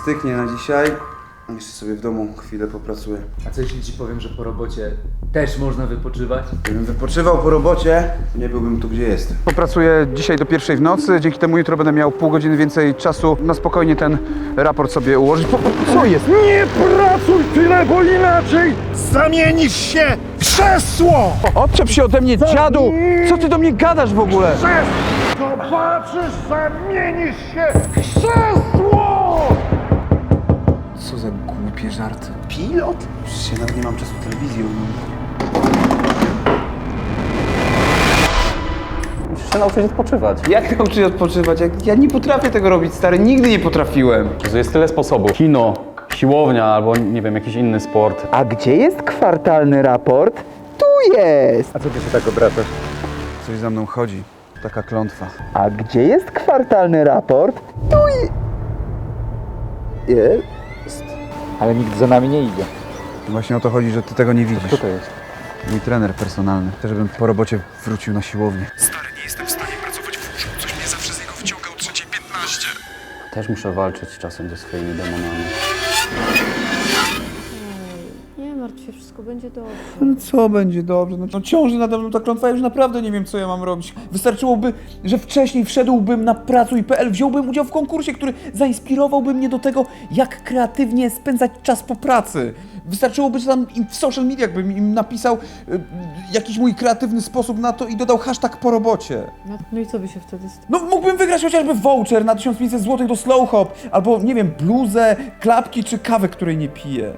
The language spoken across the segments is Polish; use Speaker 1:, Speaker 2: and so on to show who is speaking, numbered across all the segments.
Speaker 1: styknie na dzisiaj. Jeszcze sobie w domu chwilę popracuję.
Speaker 2: A co jeśli ci powiem, że po robocie też można wypoczywać?
Speaker 1: Gdybym wypoczywał po robocie, nie byłbym tu, gdzie jestem. Popracuję dzisiaj do 1:00 w nocy, dzięki temu jutro będę miał pół godziny więcej czasu na spokojnie ten raport sobie ułożyć. Co jest?
Speaker 3: Nie pracuj tyle, bo inaczej zamienisz się w krzesło!
Speaker 1: Odczep się ode mnie, dziadu! Co ty do mnie gadasz w ogóle?
Speaker 3: Zobaczysz, zamienisz się w krzesło!
Speaker 1: Co za głupie żarty. Pilot? Przecież ja nawet nie mam czasu telewizji
Speaker 4: Musisz się nauczyć odpoczywać.
Speaker 1: Jak nauczyć odpoczywać? Ja nie potrafię tego robić, stary. Nigdy nie potrafiłem.
Speaker 4: Jest tyle sposobów. Kino, siłownia albo nie wiem, jakiś inny sport.
Speaker 5: A gdzie jest kwartalny raport? Tu jest!
Speaker 3: A co ty się tak obracasz?
Speaker 1: Coś za mną chodzi. Taka klątwa.
Speaker 5: A gdzie jest kwartalny raport? Jest.
Speaker 6: Ale nikt za nami nie idzie.
Speaker 1: Właśnie o to chodzi, że ty tego nie widzisz.
Speaker 6: Kto to jest?
Speaker 1: Mój trener personalny. Chcę, żebym po robocie wrócił na siłownię.
Speaker 4: Też muszę walczyć czasem ze swoimi demonami.
Speaker 7: Nie martw się, wszystko będzie dobrze.
Speaker 1: No co będzie dobrze? No ciąży nade mną ta klątwa, ja już naprawdę nie wiem, co ja mam robić. Wystarczyłoby, że wcześniej wszedłbym na pracuj.pl, wziąłbym udział w konkursie, który zainspirowałby mnie do tego, jak kreatywnie spędzać czas po pracy. Wystarczyłoby, że tam w social mediach bym im napisał jakiś mój kreatywny sposób na to i dodał hashtag po robocie.
Speaker 7: No i co by się wtedy stało?
Speaker 1: No mógłbym wygrać chociażby voucher na 1500 zł do Slow Hop, albo nie wiem, bluzę, klapki czy kawę, której nie piję.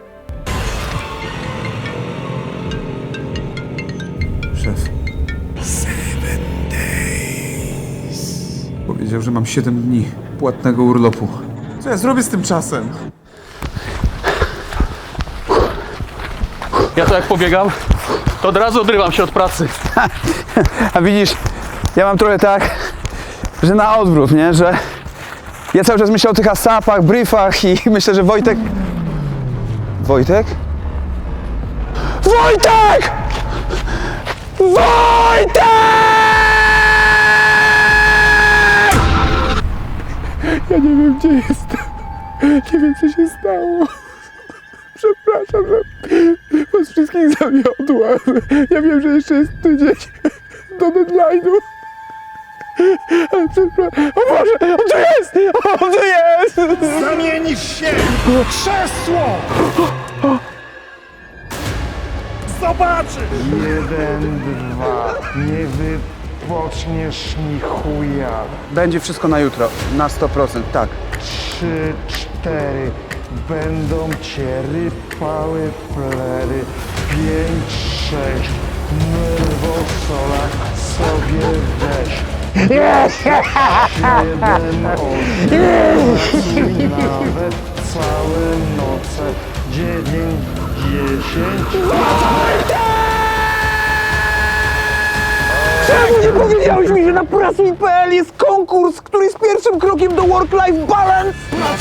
Speaker 1: Szef. 7 days. Powiedział, że mam 7 dni płatnego urlopu. Co ja zrobię z tym czasem?
Speaker 4: Ja to jak pobiegam, to od razu odrywam się od pracy.
Speaker 1: A widzisz, ja mam trochę tak, że na odwrót, nie? Że ja cały czas myślę o tych asapach, briefach i myślę, że Wojtek... Wojtek? Wojtek! Wojtek! Ja nie wiem, gdzie jestem. Nie wiem, co się stało. Przepraszam, że was wszystkich zawiodłam. Ja wiem, że jeszcze jest tydzień do deadline'u. Ale przepraszam. O Boże, on tu jest! On tu jest!
Speaker 3: Zamienisz się w krzesło! Zobaczysz! 1, 2, nie wypoczniesz ni chuja.
Speaker 1: Będzie wszystko na jutro, na 100%, tak.
Speaker 3: 3, 4, będą cię rypały plery. 5, 6, nerwosola sobie weź. 7, 8, nawet całe noce. 9, 10.
Speaker 5: Czemu nie powiedziałeś mi, że na pracuj.pl jest konkurs, który jest pierwszym krokiem do work-life balance?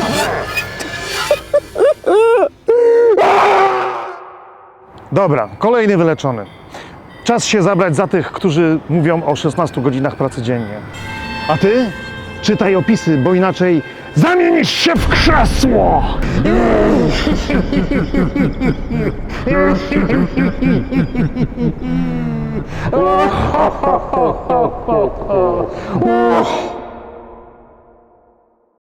Speaker 3: Dobra, kolejny wyleczony. Czas się zabrać za tych, którzy mówią o 16 godzinach pracy dziennie. A ty? Czytaj opisy, bo inaczej zamienisz się w krzesło!